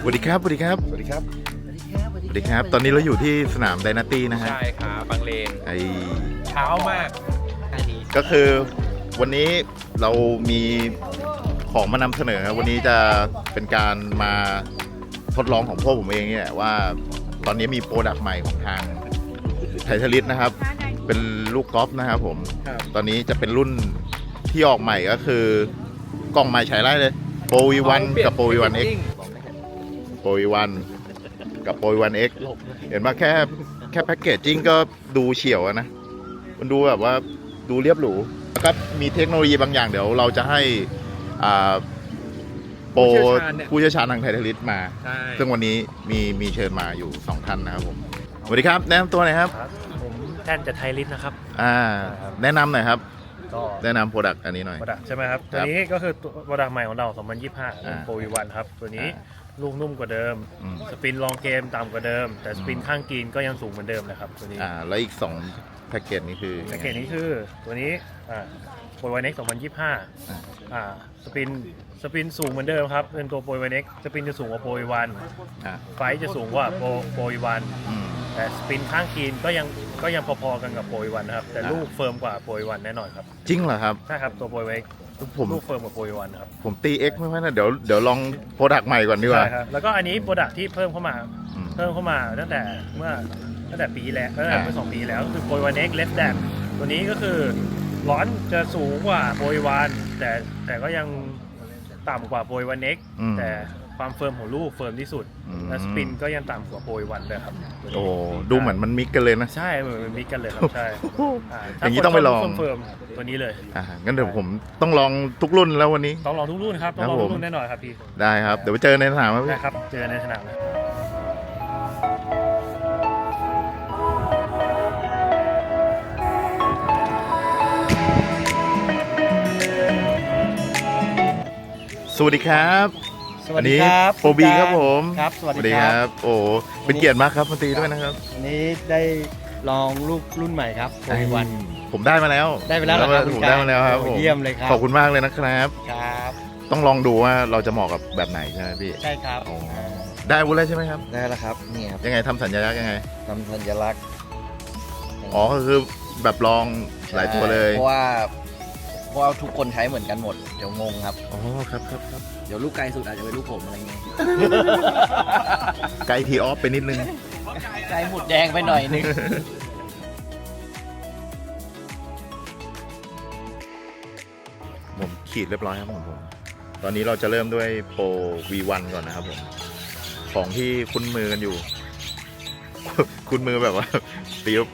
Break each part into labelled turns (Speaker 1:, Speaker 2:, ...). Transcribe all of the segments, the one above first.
Speaker 1: วัสดีครับสวัสดีครับสวัสดีครับสวัสดีครับตอนนี้เราอยู่ที่สนามไดนาตี้นะฮะ
Speaker 2: ใช่ครับบางเลน
Speaker 1: ไอ
Speaker 2: เช้ามาก
Speaker 1: ก็คือวันนี้เรามีของมานำเสนอวันนี้จะเป็นการมาทดลองของพวกผมเองเนี่ยว่าตอนนี้มีโปรดักต์ใหม่ของทางไททาลิสนะครับเป็นลูกกอล์ฟนะครับผมตอนนี้จะเป็นรุ่นที่ออกใหม่ก็คือกล่องใหม่ใช้ได้เลยโปรวีวันกับโปรวีวันเอ็กโปรวีวันกับโปรวีวันเอ็กเห็นว่าแค่แพ็กเกจจิ้งก็ดูเฉียวนะมันดูแบบว่าดูเรียบหรูแล้วก็มีเทคโนโลยีบางอย่างเดี๋ยวเราจะให้โปรผู้เชี่ยวชาญทางไททาลิสมาซึ่งวันนี้มีเชิญมาอยู่2ท่านนะครับผมสวัสดีครับแนะนำตัวหน่อยครับ
Speaker 3: ผมแท่นจากไทลิสนะครับ
Speaker 1: แนะนำหน่อยครับ
Speaker 3: ก็
Speaker 1: แนะนำโปรดักต์อันนี้หน่อย
Speaker 3: โปรดักต์ใช่ไหมครับตัวนี้ก็คือโปรดักต์ใหม่ของเรา2025โปรวีวันครับตัวนี้ลูกนุ่มกว่าเดิมสปินลองเกมต่ำกว่าเดิมแต่สปินข้างกรีนก็ยังสูงเหมือนเดิมนะครับตัวนี้
Speaker 1: แล้วอีก2แพ็กเกจนี้คือ
Speaker 3: แพ็กเกจนี้คือตัวนี้โปรวีวันเอ็ก2025สปินสูงเหมือนเดิมครับเป็นตัวโปรวีวันเอ็กสปินจะสูงกว่าโปรวีวันไฟจะสูงกว่าโปรวีวันแต่สปินข้างกรีนก็ยังพอๆกันกับโปรวีวันนะครับแต่ลูกเฟิร์มกว่าโปรวีวันแน่นอนครับ
Speaker 1: จริงเหรอครับ
Speaker 3: ใช่ครับตัวโปรวีวันเอ็กลูกเฟิร์มกว่าโปรวีวันครับ
Speaker 1: ผมตี X ไม่ค่อยนะเดี๋ยวลองโปรดักต์ใหม่ก่อนดีกว่า
Speaker 3: ใช่ครับแล้วก็อันนี้โปรดักต์ที่เพิ่มเข้ามาตั้งแต่ปีแล้วเมื่อ2 ปีแล้วคือโปรวีวันเอ็กเลสแดนตัวนี้ก็คือร้อนจะสูงกว่าโปรวีวันแต่ก็ยังต่ำกว่าโปรวีวันเอ็กแต่ความเฟิร์มของลูกเฟิร์มที่สุดและสปินก็ยังต่ำกว่าโปรวีวันเลยครับ
Speaker 1: โอ้ดูเหมือนมันมิกกันเลยนะ
Speaker 3: ใช่เหมือนมันมิกกันเลยครับใช่
Speaker 1: อย่างนี้ต้องไปลอง
Speaker 3: เฟิร์มตัวนี้เลย
Speaker 1: งั้นเดี๋ยวผมต้องลองทุกรุ่นแล้ววันนี้
Speaker 3: ต้องลองทุกรุ่นครับต้องลองทุกรุ่นแน่นอนครับพี่
Speaker 1: ได้ครับเดี๋ยวไปเจอในสนาม
Speaker 3: ครับเจอในสนามเลย
Speaker 1: สวัสดีครับ
Speaker 4: สวัสดีครับ
Speaker 1: โปรบีครับผม
Speaker 4: ครับสวัสดีครับ
Speaker 1: โอ้เป็นเกียรติมากครับมาตีด้วยนะครับ
Speaker 4: วันนี้ได้ลองลูกรุ่นใหม่ครับโปรวีวัน
Speaker 1: ผมได้มาแล้ว
Speaker 4: ได้ไปแล้วครับ
Speaker 1: ผมได้มาแล้วครับ
Speaker 4: เยี่ยมเลยครับ
Speaker 1: ขอบคุณมากเลยนะครับ
Speaker 4: ครับ
Speaker 1: ต้องลองดูว่าเราจะเหมาะกับแบบไหนใช่ไหมพี่
Speaker 4: ใช่ครับ
Speaker 1: ได้วุ้นแล้วใช่ไหมครับ
Speaker 4: ได้แล้วครับนี่ครับ
Speaker 1: ยังไงทำสัญลักษณ์ยังไง
Speaker 4: ทำสัญลักษณ์
Speaker 1: ก็คือแบบลองหลายตัวเลย
Speaker 4: เพราะว่าทุกคนใช้เหมือนกันหมดเดี๋ยวงงครับ
Speaker 1: ครับ
Speaker 4: เดี๋ยวลูกไกลสุดอาจจะเป็นลูกผมอะไรเงี้ย
Speaker 1: ไกลทีออฟไปนิดนึง
Speaker 4: ไกลหมุดแดงไปหน่อยนึง
Speaker 1: ผมขีดเรียบร้อยครับผมตอนนี้เราจะเริ่มด้วยโปร V1 ก่อนนะครับผมของที่คุ้นมือกันอยู่ คุ้นมือแบบว่าตีบ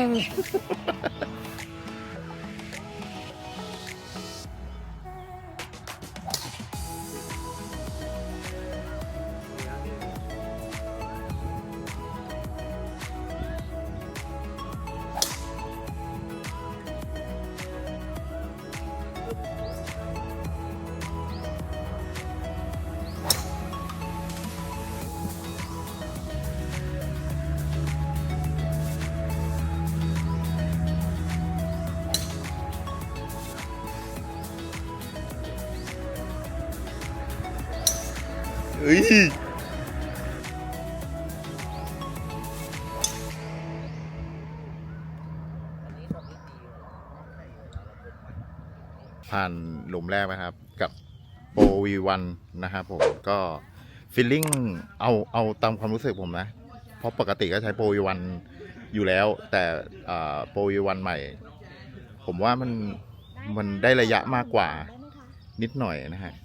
Speaker 1: ผ่านหลุมแรกนะครับกับโปร V1 นะครับผมก็ฟีลลิ่งเอาตามความรู้สึกผมนะเพราะปกติก็ใช้โปร V1 อยู่แล้วแต่โปร V1 ใหม่ผมว่ามันได้ระยะมากกว่านิดหน่อยนะฮะ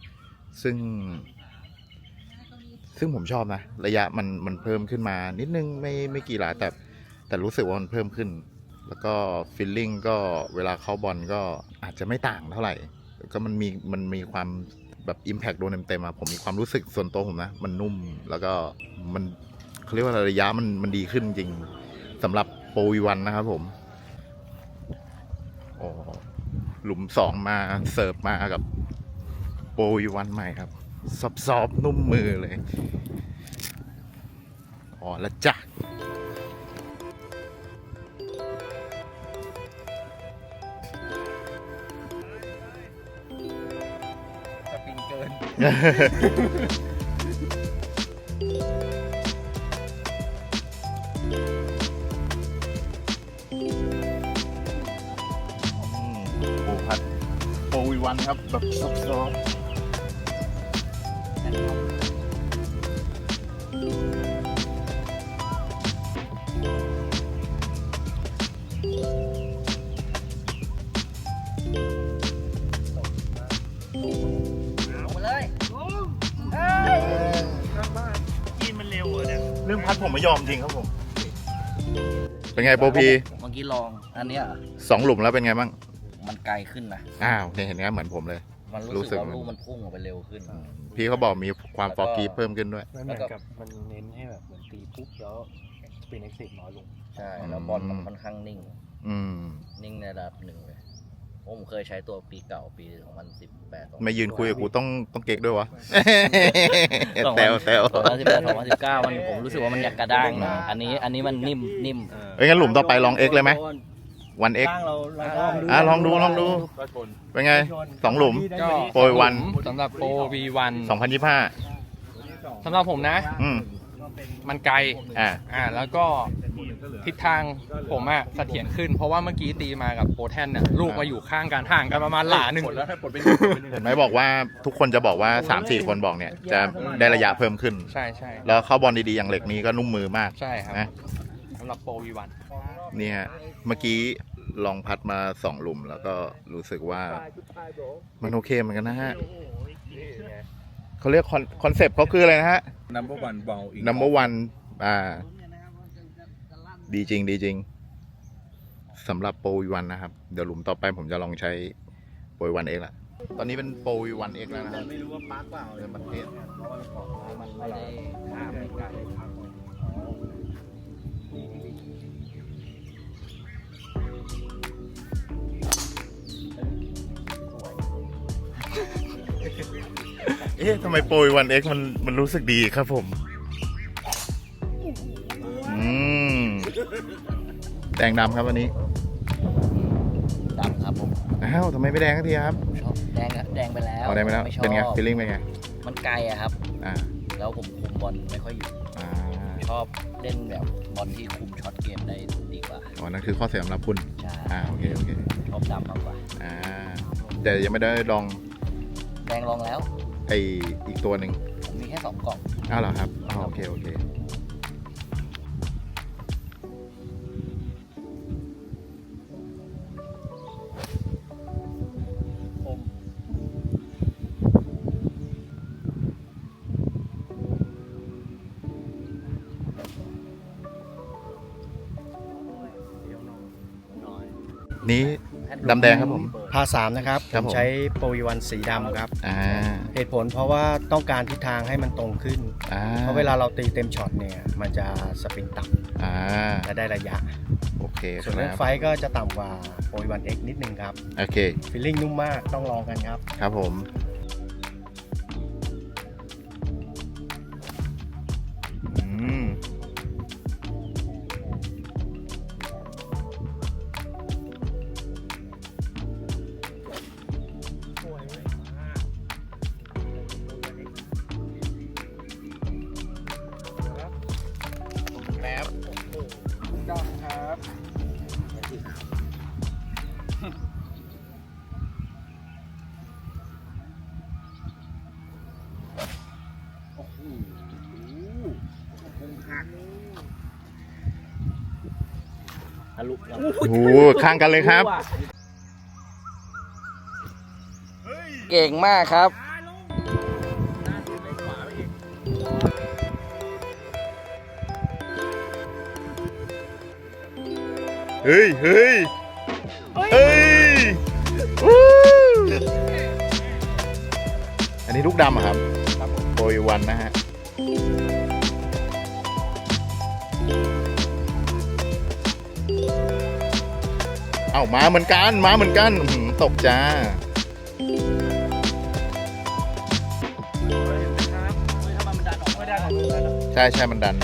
Speaker 1: ซึ่งผมชอบนะระยะมันเพิ่มขึ้นมานิดนึงไม่กี่หลาแต่รู้สึกว่ามันเพิ่มขึ้นแล้วก็ฟีลลิ่งก็เวลาเข้าบอลก็อาจจะไม่ต่างเท่าไหร่ก็มันมีความแบบ Impact โดนเต็มๆผมมีความรู้สึกส่วนตัวผมนะมันนุ่มแล้วก็มันเขาเรียกว่าระยะมันดีขึ้นจริงสำหรับโปร V1 นะครับผมหลุม2มาเสิร์ฟมากับโปร V1 ใหม่ครับซอฟๆนุ่มมือเลยแล้วจ้ะ
Speaker 4: สปินเกิน
Speaker 1: ครับแบบซอฟ
Speaker 4: มาเลย
Speaker 3: กินมันเร็วเหรอเนี่ย
Speaker 1: เรื่องพัดผมไม่ยอมจริงครับผม เป็นไงโปรพี
Speaker 4: เมื่อกี้ลองอันเนี้ย
Speaker 1: 2 หลุมแล้วเป็นไงบ้าง
Speaker 4: มันไกลขึ้นนะ
Speaker 1: อ้าวเห็นไหมเหมือนผมเลย
Speaker 4: มัน
Speaker 1: รู้
Speaker 4: รู้
Speaker 1: สึ
Speaker 4: สึ
Speaker 1: ก
Speaker 4: กว่าลูกมันพุ่งออกไปเร็วขึ้น
Speaker 1: พี่เขาบอกมีความฟอร์กีเพิ่มขึ้นด้วย
Speaker 3: มันเหมือนกับมันเน้นให้แบบเหมือนตีปุ๊บแล้วสปินเอ็กซิสน้อยลง
Speaker 4: ใช่ แล้วบอลมันค่อนข้างนิ่ง
Speaker 1: อืม
Speaker 4: นิ่งในระดับหนึ่งเลยผมเคยใช้ตัวปีเก่าปี 2018
Speaker 1: ไม่ยืนคุยกับกูต้องเก๊กด้วยวะ แซว
Speaker 4: 2018 2019มันผมรู้สึกว่ามันอยากกระด้างหน่อยอันนี้มันนิ่ม
Speaker 1: เอ้ยงั้นหลุมต่อไปลอง X เลยไหมวัน X ลองดู
Speaker 2: ก็ชน
Speaker 1: เป็นไง 2 หลุม
Speaker 5: ก็
Speaker 1: โปรยวัน
Speaker 5: สำหรับโปร V1
Speaker 1: 2025
Speaker 5: สำหรับผมนะ
Speaker 1: อืม
Speaker 5: มันไกล แล้วก็ทิศทางผมอะเสถียรขึ้น เพราะว่าเมื่อกี้ตีมากับโปรแทนเนี่ยลูกมาอยู่ข้างกันห่างกันประมาณหลาหนึ่ง
Speaker 2: แล้วถ้าปลดเป็น
Speaker 1: เห็นไหมบอกว่าทุกคนจะบอกว่า 3-4 คนบอกเนี่ยจะได้ระยะเพิ่มขึ้น
Speaker 5: ใช่ใช่
Speaker 1: แล้วเข้าบอลดีๆ อย่างเหล็กนี้ก็นุ่มมือมาก
Speaker 5: ใช่ครับ
Speaker 1: นะ
Speaker 5: สำหรับโปร V1
Speaker 1: นี่ฮะเมื่อกี้ลองพัดมา 2 หลุมแล้วก็รู้สึกว่ามันโอเคเหมือนกันนะฮะเขาเรียกคอนเซปต์เขาคืออะไรนะฮะ
Speaker 2: number one ball อีก
Speaker 1: number one ดีจริงสำหรับโปรวีวันนะครับ เดี๋ยวหลุมต่อไปผมจะลองใช้โปรวีวันเอ็กละตอนนี้เป็นโปรวีวันเอ็กแล้วนะครับไม่รู้ว่าปาร์คเปล่าเดินประเทศ
Speaker 4: มันไม่ได้ข้ามไปไกล
Speaker 1: เอ๊ะทำไมโปรวีวันเอ็กมันรู้สึกดีครับผม แดงดำครับวันนี้
Speaker 4: ดำครับผม
Speaker 1: อ้าวทำไมไม่แดงสักทีครับ
Speaker 4: ชอบแดงไปแล้ว
Speaker 1: เอาแดงไปแล้ว
Speaker 4: ม่ชอบ
Speaker 1: เป็นไงฟีลลิ่งเป็นไง
Speaker 4: มันไกลอะครับ
Speaker 1: อ่า
Speaker 4: แล้วผมคุมบอลไม่ค่อยอยู่
Speaker 1: อ่า
Speaker 4: ชอบเล่นแบบบอลที่คุมช็อตเกมได้ดีกว่า
Speaker 1: อ๋อนั่นคือข้อเสียสำหรับคุณ
Speaker 4: ใช่
Speaker 1: โอเค
Speaker 4: ชอบดำมากกว่า
Speaker 1: แต่ยังไม่ได้ลอง
Speaker 4: แดงลองแล้ว
Speaker 1: ไออีกตัวหนึ่ง
Speaker 4: ผมมีแค่2 กล่อง
Speaker 1: อ้าวเหรอครับโอเคนี้ดำแดงครับผม
Speaker 6: พา3นะครับ
Speaker 1: ครั
Speaker 6: ผ
Speaker 1: บ
Speaker 6: ม
Speaker 1: ผม
Speaker 6: ใช้โปรวีวันสีดำครับ เหตุผลเพราะว่าต้องการทิศทางให้มันตรงขึ้น เพราะเวลาเราตีเต็มช็อตเนี่ยมันจะสปินต่ำและได้ระยะ
Speaker 1: โอเคค
Speaker 6: ส่วนเรื่อง
Speaker 1: รับ
Speaker 6: ไฟท์ก็จะต่ำกว่าโปรวีวัน X นิดนึงครับ
Speaker 1: โอเค
Speaker 6: ฟีลลิ่งนุ่มมากต้องลองกันครับ
Speaker 1: ครับผมโอ้โหข้างกันเลยครับ
Speaker 4: เก่งมากครับ
Speaker 1: เฮ้ยวู้อันนี้ลูกดำอะครับโปรยวันนะฮะ เอ้ามาเหมือนกันตกจ้า ใช่มันดัน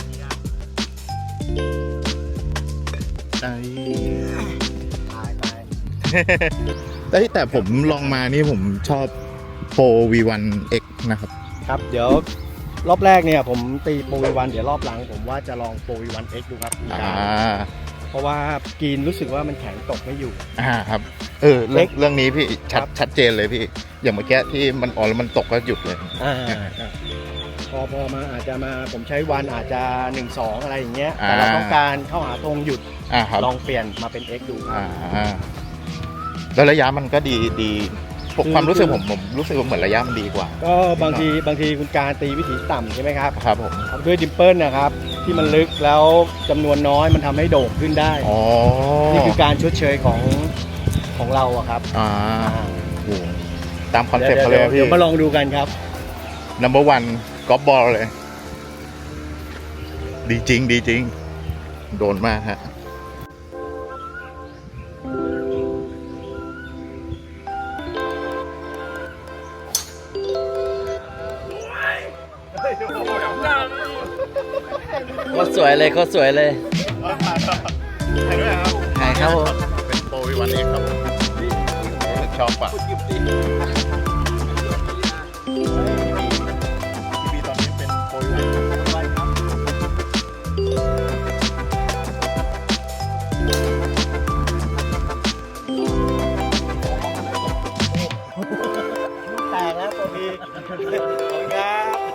Speaker 1: แต่ผมลองมานี่ผมชอบโปร V1X นะครับ
Speaker 6: ครับเดี๋ยวรอบแรกเนี่ยผมตีโปรวีวันเดี๋ยวรอบหลังผมว่าจะลองโปรวีวัน X ดูครับเพราะว่ากรีนรู้สึกว่ามันแข็งตกไม่อยู่
Speaker 1: ครับเรื่องนี้พี่ชัดเจนเลยพี่ อย่างเมื่อกี้ที่มันอ่อนแล้วมันตกก็หยุดเลย
Speaker 6: พอมาอาจจะมาผมใช้วันอาจจะ 1-2 อะไรอย่างเงี้ยแต่เราต้องการเข้าหาตรงหยุด
Speaker 1: ครับ
Speaker 6: ลองเปลี่ยนมาเป็น X ดูครับ
Speaker 1: แล้วระยะมันก็ดีความรู้สึกผมรู้สึกว่าเหมือนระยะมันดีกว่า
Speaker 6: ก็บางทีคุณการตีวิถีต่ำใช่ไหมครับ
Speaker 1: ครับผม
Speaker 6: ด้วยดิมเปิลนะครับที่มันลึกแล้วจำนวนน้อยมันทำให้โด่งขึ้นได้ นี่คือการชดเชยของเราอะครับ
Speaker 1: โอ้ตามคอนเซ็ปต์เขาเลยพี่
Speaker 6: เดี๋ยวมาลองดูกันครับ
Speaker 1: number 1 กอล์ฟบอลเลย ดีจริง โดนมากฮะ
Speaker 4: ก็สวยเลยก็สวยเลยถ่ายครับผม
Speaker 1: เป็นโปรวีวันเองครับผมชอบปะพี่บีตอนนี้เป็นโปรวีวัน
Speaker 6: แตกแล้วตัวพีขอบคุณครับ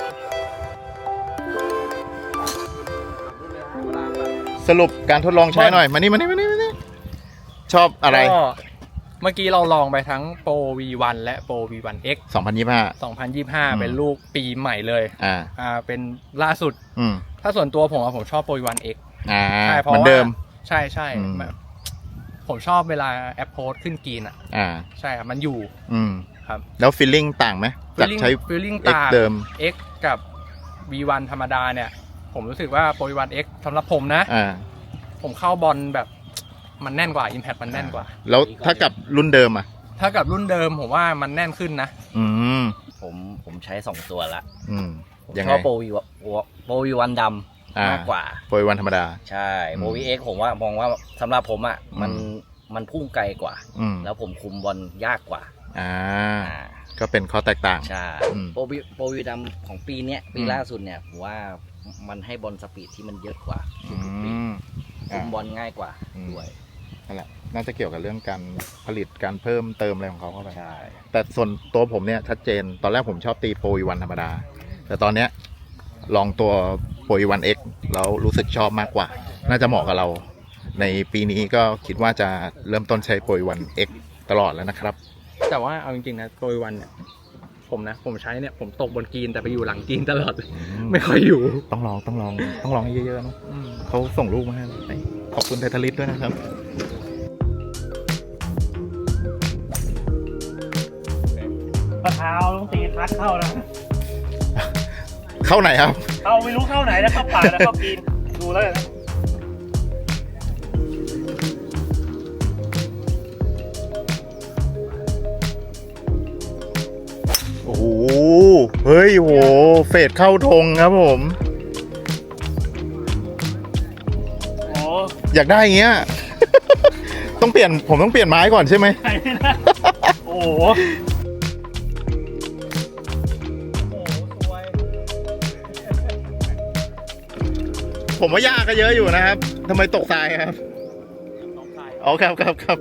Speaker 1: สรุปการทดลองใช้หน่อย มานี่ชอบอะไร
Speaker 5: ก็เมื่อกี้เราลองไปทั้งโปร V1 และโปร V1X
Speaker 1: 2025
Speaker 5: 2025 เป็นลูกปีใหม่เลยเป็นล่าสุด ถ้าส่วนตัวผมชอบโปร V1X ใช่เพราะ
Speaker 1: เหมือน
Speaker 5: ว่า
Speaker 1: เดิม
Speaker 5: ใช่ผมชอบเวลาแอปโพสขึ้นกรีนใช่ครับมันอยู่ครับ
Speaker 1: แล้วฟีลลิ่งต่างไหมจากใช้
Speaker 5: feeling
Speaker 1: X
Speaker 5: ต่าง
Speaker 1: เดิม
Speaker 5: X กับ V1 ธรรมดาเนี่ย ผมรู้สึกว่าโปร V1X สำหรับผมนะ ผมเข้าบอลแบบมันแน่นกว่า Impact มันแน่นกว่า
Speaker 1: แล้วถ้ากับรุ่นเดิมอ่ะ
Speaker 5: ถ้ากับรุ่นเดิมผมว่ามันแน่นขึ้นนะ
Speaker 4: ผมใช้ 2 ตัวละผม
Speaker 1: ยัง
Speaker 4: ช
Speaker 1: ไง
Speaker 4: อบโปรวีวันดำมากกว่า
Speaker 1: โปรวีวันธรรมดา
Speaker 4: ใช่โปรวีเอ็กผมว่ามองว่าสำหรับผมอ่ะมันพุ่งไกลกว่า แล้วผมคุมบอลยากกว่า
Speaker 1: ก็เป็นข้อแตกต่าง
Speaker 4: ใช่โปรวีดำของปีเนี้ยปีล่าสุดเนี่ยผมว่ามันให้บอลสปีดที่มันเยอะกว่าคุมบอลง่ายกว่าด้วย
Speaker 1: นั่นแหละน่าจะเกี่ยวกับเรื่องการผลิตการเพิ่มเติมอะไรของเขาเข้าไป
Speaker 4: ใช่
Speaker 1: แต่ส่วนตัวผมเนี่ยชัดเจนตอนแรกผมชอบตีโปรวีวันธรรมดา แต่ตอนเนี้ยลองตัวโปรวีวัน X แล้วรู้สึกชอบมากกว่า น่าจะเหมาะกับเรา ในปีนี้ก็คิดว่าจะเริ่มต้นใช้โปรวีวัน X ตลอดแล้วนะครับ
Speaker 5: แต่ว่าเอาจริงๆนะโปร V1 เนี่ยผมใช้เนี่ยผมตกบนกรีนแต่ไปอยู่หลังกรีนตลอด ไม่ค่อยอยู่
Speaker 1: ต้องลองให้เยอะๆนะเขาส่งรูปมาให้ขอบคุณไททาลิสด้วยนะครับ
Speaker 3: กระเท้าต้องตีพัดเข้านะ
Speaker 1: เข้าไหนครับ
Speaker 3: เข้าไม่รู้เข้าไหนนะเข้าป่าแล้วเข้าปีนดูแล้วนะ
Speaker 1: โอ้โห เฮ้ยโห เฟดเข้าธงครับผม
Speaker 3: โอ้
Speaker 1: อยากได้อย่างเงี้ย ผมต้องเปลี่ยนไม้ก่อนใช่ไหม
Speaker 3: ไหนนะโอ้โห
Speaker 1: ผมว่ายากก็เยอะอยู่นะครับทำไมตกทรายครับอ๋อครับ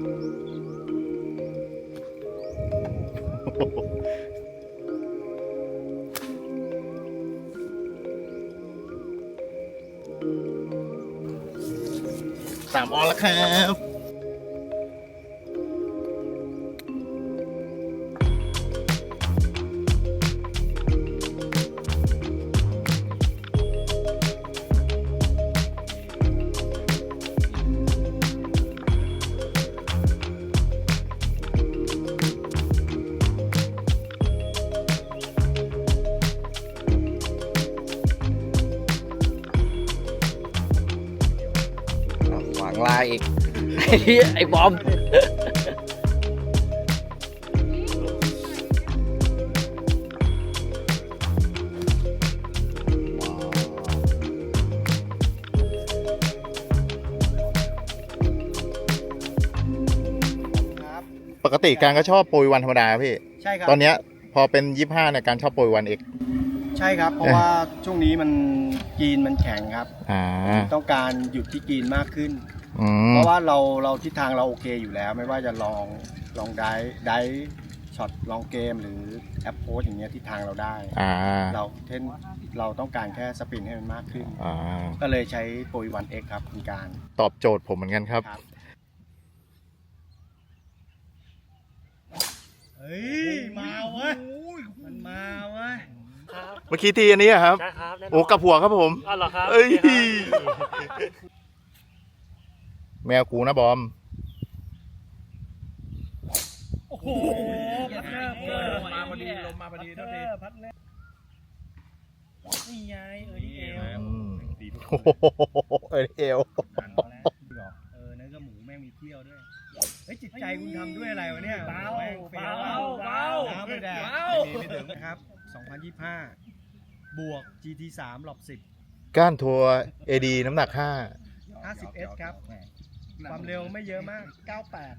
Speaker 1: 3 ออนแล้วครับ
Speaker 4: ขวางลายอีก ไอ้บอม
Speaker 1: ปกติการก็ชอบโปรวีวันธรรมดาพี่
Speaker 6: ใช่ครับ
Speaker 1: ตอนเนี้ยพอเป็น25เนี่ยการชอบโปรวีวัน X
Speaker 6: ใช่ครับ เพราะว่าช่วงนี้มันกรีนมันแข็งครับ
Speaker 1: อ่า
Speaker 6: ต้องการหยุดที่กรีนมากขึ้นเพราะว่าเราทิศทางเราโอเคอยู่แล้ว ไม่ว่าจะลองได้ช็อตลองเกมหรือแอปโพสอย่างเงี้ยทิศทางเราได้เราต้องการแค่สปินให้มันมากขึ้นก็เลยใช้โปรวีวันเอ็กครับคุณการ
Speaker 1: ตอบโจทย์ผมเหมือนกันครับ
Speaker 6: เฮ้ยมาเว้ยมันมาเว้ย
Speaker 1: เมื่อกี้ทีอันนี้อะครับ
Speaker 3: ใช่ครับแน่นน
Speaker 1: โอ้กับหัวครับผม
Speaker 3: อ๋อเหรอครับ
Speaker 1: เอ้ย
Speaker 3: โอเคครับ
Speaker 1: แมวกูนะบอม
Speaker 3: โอ้โหพัดเนอร์
Speaker 2: มาพอดีลมมาพอดีเท่าที
Speaker 3: พัดเนอร์นี่ไงนี่เอว
Speaker 1: โอ้โหเอว
Speaker 6: เนื้อกับหมูแม่งมีเที่ยวด้วยเฮ้ยจิตใจคุณทำด้วยอะไรวะเนี่ย
Speaker 3: เบา
Speaker 6: แม่งเฟี้ยว
Speaker 3: เบา
Speaker 6: น้ำไม่ได้
Speaker 3: เบา
Speaker 6: ไม่ถึงนะครับ 2025 บวก GT3 หลบ
Speaker 1: ก้านทัวร์ AD น้ำหนัก
Speaker 6: 10 50S ครับ ความเร็วไม่เยอะมาก 98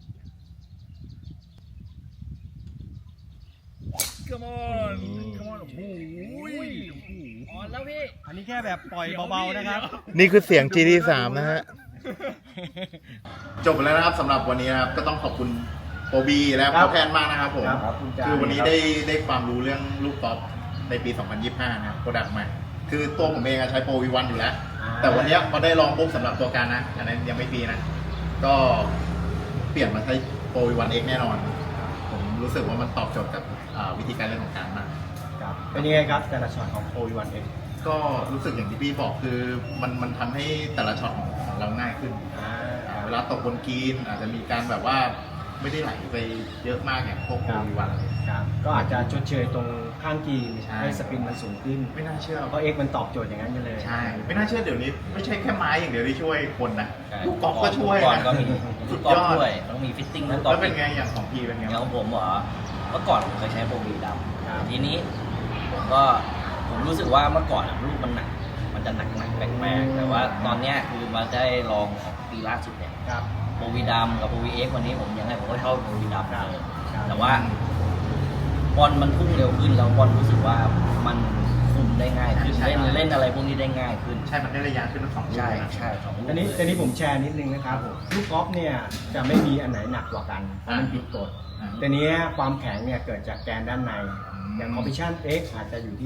Speaker 2: Come on Come on โอ้โห
Speaker 4: อ่อนแล้วพี่
Speaker 6: อันนี้แค่แบบปล่อยเบาๆนะครับ
Speaker 1: 5 นี่คือเสียง GT3 นะฮะ จบไปแล้วนะครับสำหรับวันนี้นะครับ ก็ต้องขอบคุณโปรบีและ
Speaker 6: ครั
Speaker 1: โป
Speaker 6: บ
Speaker 1: รแทนมากนะครับผม
Speaker 6: ครับคุณจ่า
Speaker 1: คือวันนี้ได้ความรู้เรื่องลูกกอล์ฟในปี 2025 นะครับโปรดักต์ใหม่ คือตัวผมเองอะใช้โปรวีวันอยู่แล้ว แต่วันเนี้ยพอได้ลองปุ๊บสำหรับตัวการนะ อันนั้นยังไม่ปีนะ ก็เปลี่ยนมาใช้โปรวีวันเอ็กแน่นอน ผมรู้สึกว่ามันตอบโจทย์กับวิธีการเล่นของการมาก
Speaker 6: ครับเป็นยังไงครับแต่ละช็อตของ OV1X
Speaker 1: ก็รู้สึกอย่างที่พี่บอกคือมันทำให้แต่ละช็อตของเราง่ายขึ้น เวลาตกบนกรีนอาจจะมีการแบบว่าไม่ได้ไหลไปเยอะมากอย่างพวกโปรวีวัน
Speaker 6: ครับก็อาจจะชดเชยตรงข้างกรีน
Speaker 1: ใช่
Speaker 6: ให้สปินมันสูงขึ้น
Speaker 1: ไม่น่าเชื่อ
Speaker 6: เพราะ X มันตอบโจทย์อย่างนั้นกันเลย
Speaker 1: ใช่ ไม่น่าเชื่อเดี๋ยวนี้ไม่ใช่แค่ไม้อย่างเดียวที่ช่วยคนนะ
Speaker 4: ใช่
Speaker 1: ลูกกอล์ฟก็ช่วย
Speaker 4: ลูกกอล์ฟ
Speaker 1: นะ
Speaker 4: ก็มี
Speaker 1: สุ
Speaker 4: ลู
Speaker 1: ด
Speaker 4: กกอล์
Speaker 1: ย
Speaker 4: ฟ
Speaker 1: อด
Speaker 4: ด้วยต้องมีฟิตติ้งลูกกอล์
Speaker 1: แล้ว
Speaker 4: ฟ
Speaker 1: เป็นไงอย่างของพี่เป็นไง
Speaker 4: อย่างของผมเหรอเมื่อก่อนผมเคยใช้โปรวีด
Speaker 6: ครับ
Speaker 4: ำทีนี้ผมรู้สึกว่าเมื่อก่อนอะลูกมันหนัก มันจะหนักแปลกๆแต่ว่าตอนเนี้ยคือมาได้ลองของปีล่าสุดเนี่ย
Speaker 6: ครับ
Speaker 4: โปรวีดำกับโปรวีเอ็กวันนี้ผมยังไงผมก็ชอบโปรวีดำเลย
Speaker 6: ครับ
Speaker 4: แต่ว่าบอลมันพุ่งเร็วขึ้นแล้วบอลรู้สึกว่ามันคุมได้ง่ายขึ้นเล่นอะไรพวกนี้ได้ง่ายขึ้น
Speaker 1: ใช่ มันได้ระยะขึ้นทั้งสองลูก
Speaker 4: ใช่
Speaker 1: นะ
Speaker 4: ใช่สองลูก
Speaker 6: อันนี้ผมแชร์นิดนึงนะครับลูกกอล์ฟเนี่ยจะไม่มีอันไหนหนักกว่ากันเพราะมันผิดกฎ
Speaker 1: อ่า
Speaker 6: แต่เนี้ยความแข็งเนี่ยเกิดจากแกนด้านใน
Speaker 1: อืม
Speaker 6: อย่าง Competition X อาจจะอยู่ที่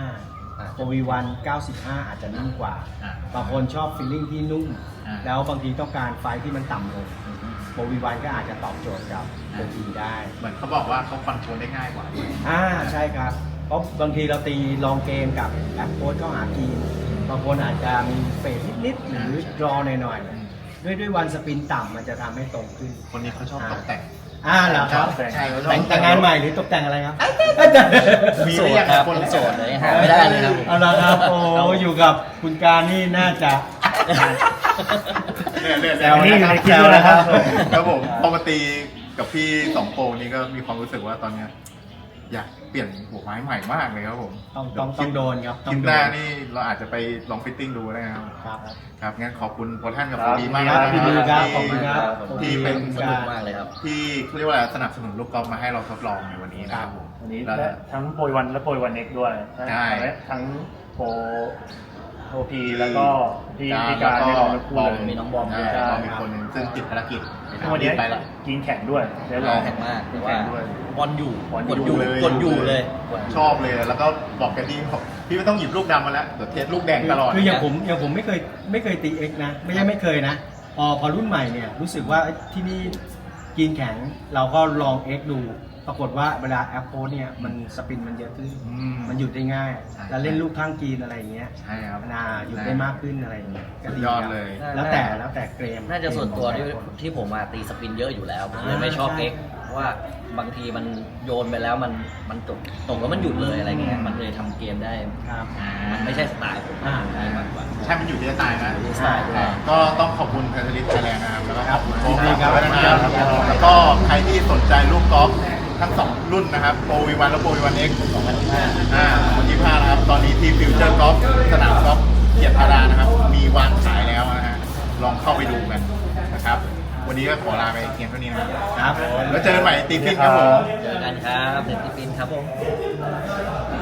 Speaker 6: 105 โปรวีวัน95 อาจจะนิ่มกว่า
Speaker 1: อ่า
Speaker 6: บางคนชอบฟีลลิ่งที่นุ่ม
Speaker 1: อ่า
Speaker 6: แล้วบางทีต้องการไฟที่มันต่ำลงโปรวีวันก็อาจจะตอบโจทย์กับโปรวีได้
Speaker 1: เหมือนเขาบอกว่าเขาคอนโทรลได้ง่ายกว่าด้วย
Speaker 6: ใช่ครับ เพราะบางทีเราตีลองเกมกับแอปโค้ดเข้าหาทีมบางคนอาจจะมีเฟดนิดๆหรือรอหน่อยๆด้วยวันสปินต่ำมันจะทำให้ตรงขึ้น
Speaker 1: คนนี้เขาชอบตกแต่ง
Speaker 6: เหรอครับ
Speaker 1: ใช่เขาชอบ
Speaker 6: แต่งงานใหม่หรือตกแต่งอะไรครับ
Speaker 1: มี
Speaker 4: โส
Speaker 1: หรื
Speaker 4: ด
Speaker 1: อยัง
Speaker 4: ครับ
Speaker 1: คน
Speaker 4: ผมโสดเลยหาไม่ได้เลยครับผม
Speaker 6: เอาละครับโอ้อยู่กับคุณการนี่น่าจะ
Speaker 1: เนี่ย
Speaker 6: แซวนะครับแซวนะครับ
Speaker 1: ครับผมพอมาตีกับพี่สองโปรนี่ก็มีความรู้สึกว่าตอนเนี้ยอยากเปลี่ยนหัวไม้ใหม่มากเลยครับผม
Speaker 6: ต้องโดนครับต้
Speaker 1: คลิ
Speaker 6: อง
Speaker 1: ป
Speaker 6: โด
Speaker 1: หน้าน นี่เราอาจจะไปลองฟิตติ้งดูได้นะครับ
Speaker 6: ครับ
Speaker 1: ครับงั้นขอบคุณโปรท่านกับ
Speaker 3: ค
Speaker 1: โป
Speaker 3: รั
Speaker 1: ร
Speaker 3: บ
Speaker 1: ดีมาก
Speaker 6: ครับ
Speaker 1: นะ
Speaker 6: พี่ดีครับขอบคุณครับ
Speaker 1: ที่เป็น
Speaker 4: สนุกมากเลยครับ
Speaker 1: ที่เขาเรียกว่าอะไรสนับสนุนลูกกอล์ฟมาให้เราทดลองในวันนี้นะครับผม
Speaker 3: วันนี้
Speaker 1: แล้ว
Speaker 3: ทั้งโปรยวันและโปรยวันเอ็กด้วย
Speaker 1: ใช่
Speaker 3: ทั้งโปรพีแล้วก็พี่การได้ลองทั้งคู่เลย
Speaker 4: มีน้องบอม
Speaker 1: ใช่
Speaker 4: ด้วย
Speaker 1: เรามีคนหนึงซึ่งติดภารกิจ
Speaker 3: วันนี้
Speaker 1: ไปแล้ว
Speaker 3: กินแข่งด้วยได้ล
Speaker 4: ล
Speaker 3: อ
Speaker 4: อง งแข่งมากแต่ว่า
Speaker 3: แข่งด้วย
Speaker 4: บอลอยู่
Speaker 3: บอล
Speaker 4: กด
Speaker 3: อ
Speaker 4: อยู่ ยู่
Speaker 1: เลย
Speaker 4: กดอยู่เลยกดยู่
Speaker 1: ชอบเลยแล้วก็บอกกันที่บอกพี่ไม่ต้องหยิบลูกดำมาแล้วเดี๋ยวเทสลูกแดงตลอด
Speaker 6: คืออย่างผมไม่เคยตี X นะ ไม่เคยนะ พอรุ่นใหม่เนี่ยรู้สึกว่าที่นี่กินแข็งเราก็ลอง X ดู ปรากฏว่าเวลาแอปโพสเนี่ยมันสปินมันเยอะขึ้น มันหยุดได้ง่าย
Speaker 1: ใช่
Speaker 6: แล้วเล่นลูกข้างกรีนอะไรอย่างเงี้ย
Speaker 1: ใช่ครับ
Speaker 6: หยุดได้มากขึ้นอะไรอย่างเงี้ยก็
Speaker 1: สุด
Speaker 6: ดี
Speaker 1: ยอด
Speaker 6: ครับ
Speaker 1: เลย
Speaker 6: แล้วแต่เกรม
Speaker 4: น่าจะส่วนตัวที่ผมมาตีสปินเยอะอยู่แล้วผมเลยไม่ชอบ
Speaker 6: ใช่
Speaker 4: เอ็กเพราะว่าบางทีมันโยนไปแล้วมันตกแล้วมันหยุดเลยอะไรเงี้ยมันเลยทำเกมได้
Speaker 6: ครับ
Speaker 4: มันไม่ใช่สไตล์ผม
Speaker 6: อ่า
Speaker 4: มากกว่า
Speaker 1: ใช่มันอยู่ที่สไตล์นะ
Speaker 4: อยู่ที่สไตล์ด้วย
Speaker 1: ก็ต้องขอบคุณแพทริสไทยแลนด์นะครับ แล้วก็ขอบคุณโค้ช
Speaker 6: ยินดีครับ
Speaker 1: นะครับแล้วก็ใครที่สนใจลูกกอล์ฟทั้ง 2 รุ่นนะครับโปรวีวันและโปรวีวันเอ็กซ์2025นะครับ ตอนนี้ที่ฟิวเจอร์กอล์ฟสนามกอล์ฟเกียรติธารานะครับ มีวางขายแล้วนะฮะ ลองเข้าไปดูกันนะครับ วันนี้ก็ขอลาไปเพียงเท่านี้นะครับ
Speaker 6: ครับ
Speaker 1: แล้วเจอกันใหม่ตีฟินครับผม
Speaker 4: เจอกันครับเด็กที่ปินครับผม